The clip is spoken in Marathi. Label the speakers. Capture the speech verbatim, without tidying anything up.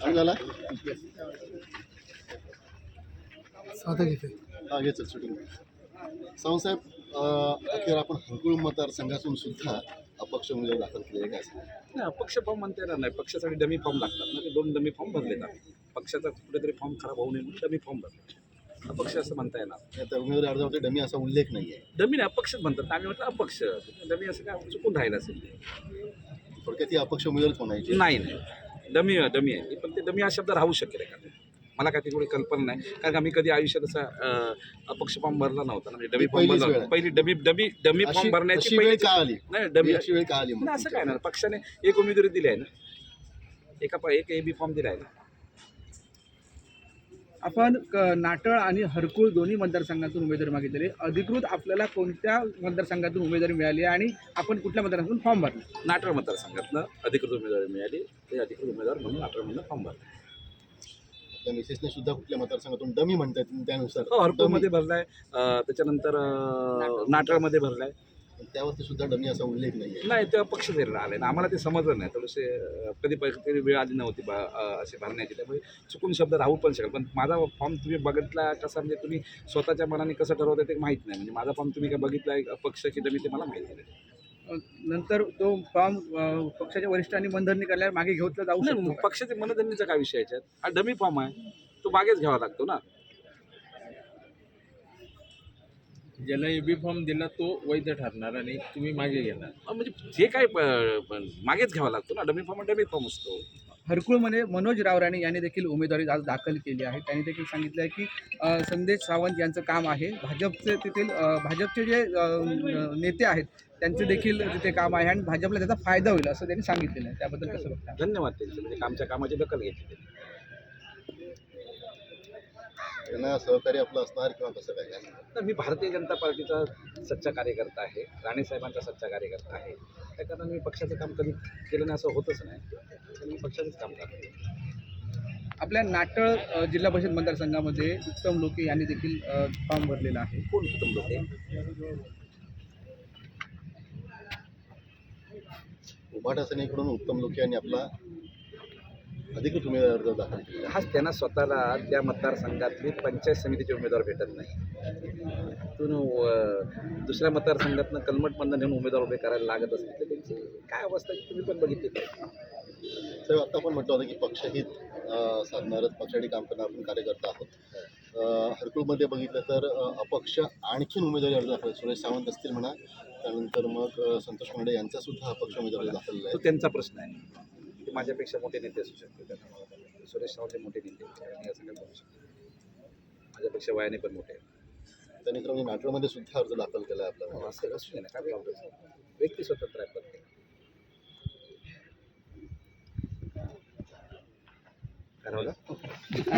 Speaker 1: झाला
Speaker 2: साधा घेते
Speaker 1: हा घे चल शूटिंग. सावंतसाहेब, अं, अखेर आपण हरकुळ मतदारसंघातून सुद्धा अपक्ष उमेदवार दाखल केले काय असं?
Speaker 3: नाही, अपक्ष फॉर्म म्हणता येणार नाही. पक्षासाठी डमी फॉर्म लागतात ना, ते दोन डमी फॉर्म भरलेत आम्ही. पक्षाचा कुठेतरी फॉर्म खराब होऊ नये म्हणून डमी फॉर्म भरले. अपक्ष असं म्हणता येणार.
Speaker 1: त्या उमेदवारी अर्जावरती डमी असा उल्लेख नाही आहे.
Speaker 3: डमी नाही, अपक्षच म्हणतात. आम्ही म्हटलं अपक्ष. डमी असं काय चुकून राहिलं असेल ते.
Speaker 1: थोडक्यात ती अपक्ष उमेदवारच म्हणायची.
Speaker 3: नाही नाही, डमी डमी आहे पण ते डमी हा शब्द राहू शकेल का? मला काय तेवढी कल्पना नाही, कारण का मी कधी आयुष्यात असा अं, अपक्ष फॉर्म भरला नव्हता ना. म्हणजे डमी फॉर्म
Speaker 1: पहिलीच वेळ
Speaker 3: भरला
Speaker 1: आहे.
Speaker 3: पहिली डमी डमी डमी फॉर्म
Speaker 1: अशी
Speaker 3: भरण्याची
Speaker 1: अशी वेळ
Speaker 3: पहिली
Speaker 1: का आली?
Speaker 3: नाही डमी
Speaker 1: अशी वेळ का आली मग?
Speaker 3: नाही, असं काय ना, पक्षाने एक उमेदवारी दिली आहे ना, एका प- एक ए बी फॉर्म दिला आहे ना.
Speaker 2: आपण क- नाटळ आणि हरकुळ दोन्ही मतदारसंघातून उमेदवारी मागितलेली. अधिकृत आपल्याला कोणत्या मतदारसंघातून उमेदवारी मिळाली आणि आपण कुठल्या मतदारसंघातून फॉर्म भरला?
Speaker 3: नाटळ मतदारसंघातनं अधिकृत उमेदवारी मिळाली. ते अधिकृत उमेदवार म्हणून नाटळमधनं फॉर्म भरला.
Speaker 1: आपल्या मिसेसने सुद्धा कुठल्या मतदारसंघातून डमी म्हणतात त्यानुसार
Speaker 3: हो, हरपूरमध्ये भरलाय, अं, त्याच्यानंतर अं, नाटळमध्ये भरलाय.
Speaker 1: डमी, त्यावरती सुद्धा डमी असा उल्लेख नाही आहे.
Speaker 3: नाही, तेव्हा पक्ष धैर्य आले ना, आम्हाला ते समजलं नाही. थोडेसे अं, कधी प- कधी वेळ आली नव्हती बा अं, असे भरण्याची, त्यामुळे चुकून शब्द राहू पण शकेल. पण माझा फॉर्म तुम्ही बघितला कसा, म्हणजे तुम्ही स्वतःच्या मनाने कसं ठरवता ते माहीत नाही. म्हणजे माझा फॉर्म तुम्ही काय बघितला आहे पक्ष की डमी ते मला माहिती नाही.
Speaker 2: अ, नंतर तो फॉर्म अ, पक्षाच्या वरिष्ठांनी मनधरणी केल्यावर मागे घेतला जाऊ शकतो
Speaker 3: नाही,
Speaker 2: का?
Speaker 3: पक्षाचे मनधरणीचा काय विषय याच्यात? हा डमी फॉर्म आहे, तो मागेच घ्यावा लागतो ना.
Speaker 4: ज्याला ए बी फॉर्म दिला तो वैध ठरणार आणि तुम्ही मागे घेणार.
Speaker 3: अं, म्हणजे जे काय प- प- मागेच घ्यावा लागतो ना. डमी फॉर्म डमी फॉर्म असतो.
Speaker 2: हरकुळमध्ये मनोज रावराणे यांनी देखील उमेदवारी आज दाखल केली आहे. त्यांनी देखील सांगितलं आहे की अ, संदेश सावंत यांचं काम आहे. भाजपचे तेथील अ, भाजपचे जे अ, न- नेते आहेत त्यांचे देखील तिथे काम आहे आणि भाजपला त्याचा फायदा होईल असं त्यांनी सांगितलेलं आहे. त्याबद्दल कसं बघता?
Speaker 3: धन्यवाद त्यांचे, म्हणजे आमच्या कामाची दखल घेतली.
Speaker 1: त्यांना सहकार्य आपलं असणार किंवा कसं काय काय?
Speaker 3: तर मी भारतीय जनता पार्टीचा सच्चा कार्यकर्ता आहे, राणेसाहेबांचा सच्चा कार्यकर्ता आहे. त्या कारण मी पक्षाचं काम कधी केलं नाही असं होतच नाही. तर मी पक्षाचंच काम करतो.
Speaker 2: आपल्या नाटळ अ, जिल्हा परिषद मतदारसंघामध्ये उत्तम लोके यांनी देखील अ, फॉर्म भरलेला आहे.
Speaker 3: कोण उत्तम लोक आहे?
Speaker 1: उभाटा सेनेकडून उत्तम लोके यांनी आपला अधिकृत उमेदवार अर्ज दाखल केला.
Speaker 3: हाच त्यांना स्वतःला त्या मतदारसंघातली पंचायत समितीचे उमेदवार भेटत नाही. तिथून अं, दुसऱ्या मतदारसंघातनं कलमटमधनं नेऊन उमेदवार उभे करायला लागत असतील तर त्यांची काय अवस्था आहे तुम्ही पण बघितली.
Speaker 1: साहेब, आता आपण म्हटलं होतं की पक्षहित अं, साधणारच पक्षासाठी काम करणार आपण कार्यकर्ता आहोत. अं, हरकुळमध्ये बघितलं तर अं, अपक्ष आणखीन उमेदवारी अर्ज दाखल, सुरेश सावंत असतील म्हणा, त्यानंतर मग अं, संतोष मुंडे यांचा सुद्धा अपक्ष उमेदवारी दाखल
Speaker 3: तो
Speaker 1: आहे.
Speaker 3: त्यांचा प्रश्न आहे. ते माझ्यापेक्षा मोठे नेते असू शकते. त्यांना सुरेश सावंत हे मोठे नेते आहेत. मी असं काय बोलू शकतो. माझ्यापेक्षा वयाने पण मोठे आहेत.
Speaker 1: त्यांनी तर म्हणजे नाटकमध्ये सुद्धा अर्ज दाखल केला आहे आपला.
Speaker 3: असं असू दे ना, काय प्रॉब्लेम. व्यक्ती स्वतंत्र आहे प्रत्येक. ठरवलं.